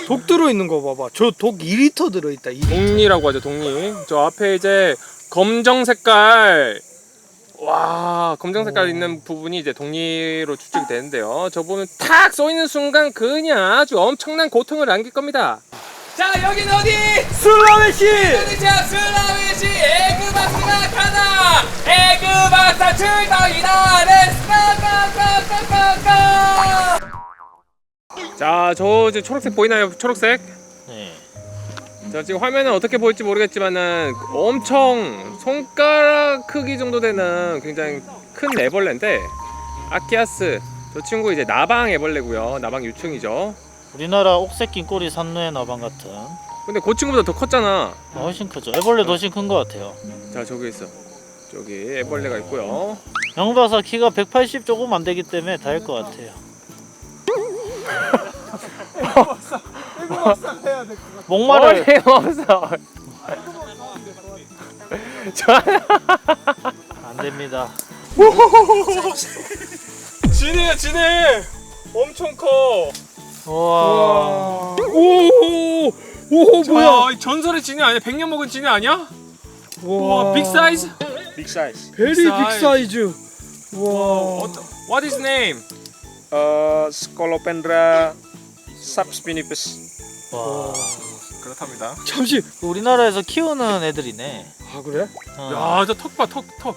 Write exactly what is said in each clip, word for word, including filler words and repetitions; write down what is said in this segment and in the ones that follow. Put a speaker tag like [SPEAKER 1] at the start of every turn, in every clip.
[SPEAKER 1] 독 들어있는 거 봐봐. 저 독 이 리터 들어있다. 이 리터.
[SPEAKER 2] 독리라고 하죠, 독리. 저 앞에 이제 검정 색깔, 와, 검정 색깔
[SPEAKER 1] 오.
[SPEAKER 2] 있는 부분이 이제 독리로 추측이 되는데요. 저 보면 탁 쏘이는 순간 그냥 아주 엄청난 고통을 안길 겁니다. 자, 여긴 어디?
[SPEAKER 1] 슬라웨시!
[SPEAKER 2] 인도네시아 슬라웨시 에그박스가 가나! 에그박사 출동이다! 렛츠가가가가가가! 자, 저 이제 초록색 보이나요? 초록색?
[SPEAKER 3] 네.
[SPEAKER 2] 자, 지금 화면은 어떻게 보일지 모르겠지만은 엄청 손가락 크기 정도 되는 굉장히 큰 애벌레인데, 아키아스, 저 친구 이제 나방 애벌레고요. 나방 유충이죠.
[SPEAKER 3] 우리나라 옥새낀 꼬리 산누의 나방 같은.
[SPEAKER 2] 근데 그 친구보다 더 컸잖아.
[SPEAKER 3] 아, 훨씬 크죠. 애벌레도 훨씬 큰 것 같아요.
[SPEAKER 2] 자, 저기 있어. 저기 애벌레가 있고요.
[SPEAKER 3] 영박사 키가 백팔십 조금 안 되기 때문에 닿을 것 같아요. 목마를
[SPEAKER 2] 없어.
[SPEAKER 3] 안 됩니다.
[SPEAKER 2] 진해야 진해. 엄청 커.
[SPEAKER 3] 와.
[SPEAKER 2] 오, 오, 뭐야? 이 전설의 진해 아니야? 백 년 먹은 진해 아니야? 와, 빅 사이즈?
[SPEAKER 4] Big size.
[SPEAKER 1] 베리
[SPEAKER 2] 빅
[SPEAKER 1] 빅 사이즈. 와.
[SPEAKER 2] 어떤? What is name?
[SPEAKER 4] Uh, Scolopendra subspinipes.
[SPEAKER 3] 와.
[SPEAKER 2] 그렇답니다.
[SPEAKER 1] 잠시.
[SPEAKER 3] 우리나라에서 키우는 애들이네.
[SPEAKER 1] 아 그래?
[SPEAKER 3] 어.
[SPEAKER 2] 야, 저 턱 봐, 턱, 턱.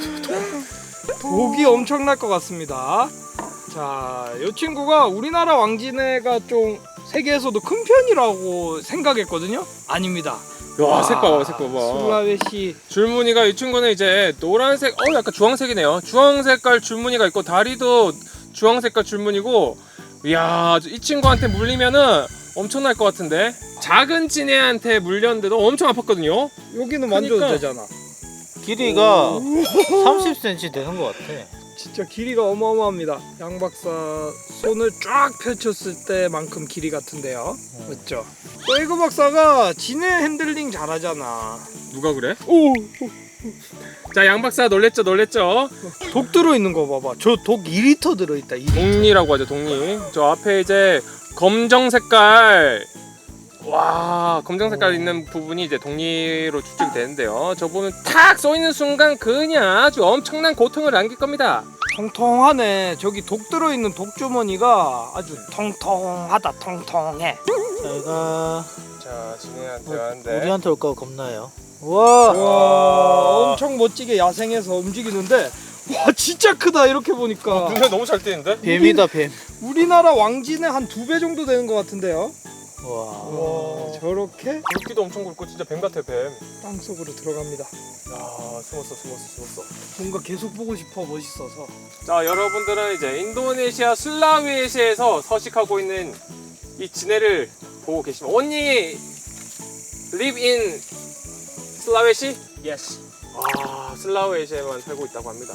[SPEAKER 1] 독이 엄청날 것 같습니다. 자, 이 친구가 우리나라 왕진해가 좀 세계에서도 큰 편이라고 생각했거든요. 아닙니다.
[SPEAKER 2] 야, 색 봐봐, 색 봐봐.
[SPEAKER 1] 슬라웨시.
[SPEAKER 2] 줄무늬가 이 친구는 이제 노란색, 어 약간 주황색이네요. 주황 색깔 줄무늬가 있고 다리도 주황 색깔 줄무늬고, 이야, 이 친구한테 물리면은 엄청날 것 같은데. 작은 진해한테 물렸는데도 엄청 아팠거든요.
[SPEAKER 1] 여기는 만져도
[SPEAKER 2] 그러니까.
[SPEAKER 1] 되잖아.
[SPEAKER 3] 길이가 삼십 센티미터 되는 것 같아.
[SPEAKER 1] 진짜 길이가 어마어마합니다. 양 박사 손을 쫙 펼쳤을 때만큼 길이 같은데요. 맞죠? 또 에그 박사가 진해 핸들링 잘하잖아.
[SPEAKER 2] 누가 그래?
[SPEAKER 1] 오,
[SPEAKER 2] 자, 양 박사 놀랬죠, 놀랬죠.
[SPEAKER 1] 독 들어있는 거 봐봐. 저 독 이 리터 들어있다. 이 리터.
[SPEAKER 2] 독리라고 하죠, 독리. 저 앞에 이제 검정 색깔, 와, 검정 색깔 있는 부분이 이제 독리로 추측이 되는데요. 저 보면 탁 쏘이는 순간 그냥 아주 엄청난 고통을 안길 겁니다.
[SPEAKER 1] 통통하네. 저기 독 들어있는 독 주머니가 아주 통통하다. 통통해.
[SPEAKER 3] 저희가
[SPEAKER 2] 자, 진해한테
[SPEAKER 3] 어,
[SPEAKER 2] 왔는데.
[SPEAKER 3] 우리한테 올까 겁나요. 와.
[SPEAKER 1] 와, 엄청 멋지게 야생에서 움직이는데, 와 진짜 크다. 이렇게 보니까
[SPEAKER 2] 눈에 너무 잘 띄는데?
[SPEAKER 3] 뱀이다 뱀.
[SPEAKER 1] 우리나라 왕진의 한 두 배 정도 되는 것 같은데요.
[SPEAKER 3] 와.
[SPEAKER 1] 와, 저렇게
[SPEAKER 2] 굵기도 엄청 굵고 진짜 뱀 같아, 뱀.
[SPEAKER 1] 땅 속으로 들어갑니다.
[SPEAKER 2] 야, 숨었어, 숨었어, 숨었어.
[SPEAKER 1] 뭔가 계속 보고 싶어. 멋있어서.
[SPEAKER 2] 자, 여러분들은 이제 인도네시아 슬라웨시에서 서식하고 있는 이 진해를 보고 계시면, 언니 live in 슬라웨시?
[SPEAKER 4] Yes.
[SPEAKER 2] 아, 슬라웨시에만 살고 있다고 합니다.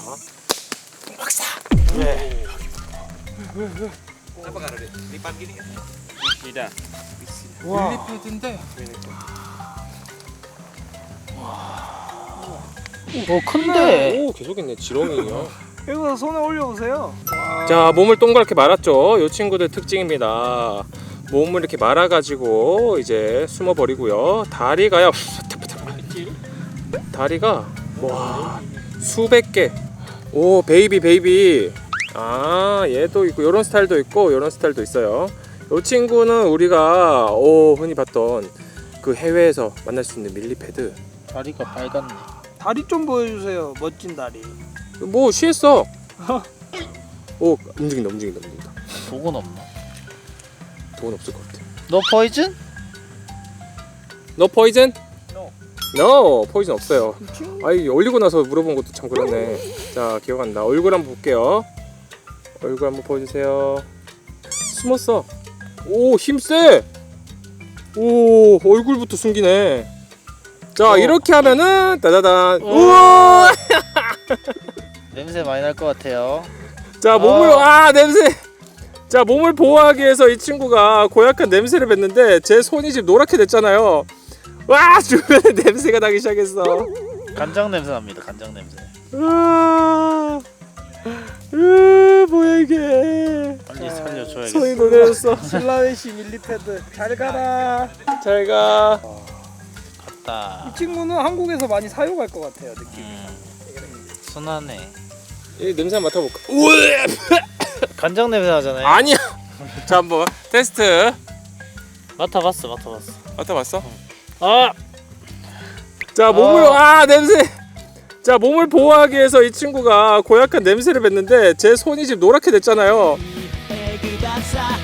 [SPEAKER 3] 네.
[SPEAKER 4] Apa karena lipat gini kan? Tidak.
[SPEAKER 1] 와,
[SPEAKER 2] 릴리패드인데.
[SPEAKER 3] 어 큰데.
[SPEAKER 2] 오, 계속 있네, 지렁이요.
[SPEAKER 1] 이거 손에 올려보세요. 와.
[SPEAKER 2] 자, 몸을 동그랗게 말았죠. 이 친구들 특징입니다. 몸을 이렇게 말아가지고 이제 숨어버리고요. 다리가요. 다리가 와 수백 개. 오, 베이비 베이비. 아, 얘도 있고 이런 스타일도 있고 이런 스타일도 있어요. 이 친구는 우리가 오 흔히 봤던 그 해외에서 만날 수 있는 밀리패드.
[SPEAKER 3] 다리가 빨갛네.
[SPEAKER 1] 다리 좀 보여주세요. 멋진 다리.
[SPEAKER 2] 뭐 쉬했어. 오, 움직인다 움직인다 움직인다.
[SPEAKER 3] 독은 없나?
[SPEAKER 2] 돈 없을 것 같아.
[SPEAKER 3] 너 포이즌?
[SPEAKER 2] 너 포이즌?
[SPEAKER 4] No.
[SPEAKER 2] No, 포이즌 없어요. 아이, 올리고 나서 물어본 것도 참 그렇네. 자, 기억 안 나. 얼굴 한번 볼게요. 얼굴 한번 보여주세요. 숨었어. 오, 힘세. 오, 얼굴부터 숨기네. 자,
[SPEAKER 3] 어.
[SPEAKER 2] 이렇게 하면은 따다단.
[SPEAKER 3] 어.
[SPEAKER 2] 우와.
[SPEAKER 3] 냄새 많이 날 것 같아요.
[SPEAKER 2] 자, 몸을
[SPEAKER 3] 어.
[SPEAKER 2] 아 냄새. 자, 몸을 보호하기 위해서 이 친구가 고약한 냄새를 뱉는데 제 손이 지금 노랗게 됐잖아요. 와, 주변에 냄새가 나기 시작했어.
[SPEAKER 3] 간장 냄새 납니다. 간장 냄새.
[SPEAKER 2] 아, 으 뭐야 이게.
[SPEAKER 3] 빨리 살려줘야겠어.
[SPEAKER 2] 손이 노래졌어.
[SPEAKER 1] 슬라웨시 밀리패드 잘 가라.
[SPEAKER 2] 잘 가.
[SPEAKER 3] 갔다.
[SPEAKER 1] 이 친구는 한국에서 많이 사용할 것 같아요 느낌이.
[SPEAKER 3] 음, 순하네.
[SPEAKER 2] 이 냄새 한번 맡아볼까?
[SPEAKER 3] 간장 냄새 나잖아요.
[SPEAKER 2] 아니야. 자 한번 테스트.
[SPEAKER 3] 맡아봤어, 맡아봤어.
[SPEAKER 2] 맡아봤어?
[SPEAKER 3] 아,
[SPEAKER 2] 자 몸을 아 냄새. 자 몸을 보호하기 위해서 이 친구가 고약한 냄새를 뱉는데 제 손이 지금 노랗게 됐잖아요.
[SPEAKER 5] 이 백을 박사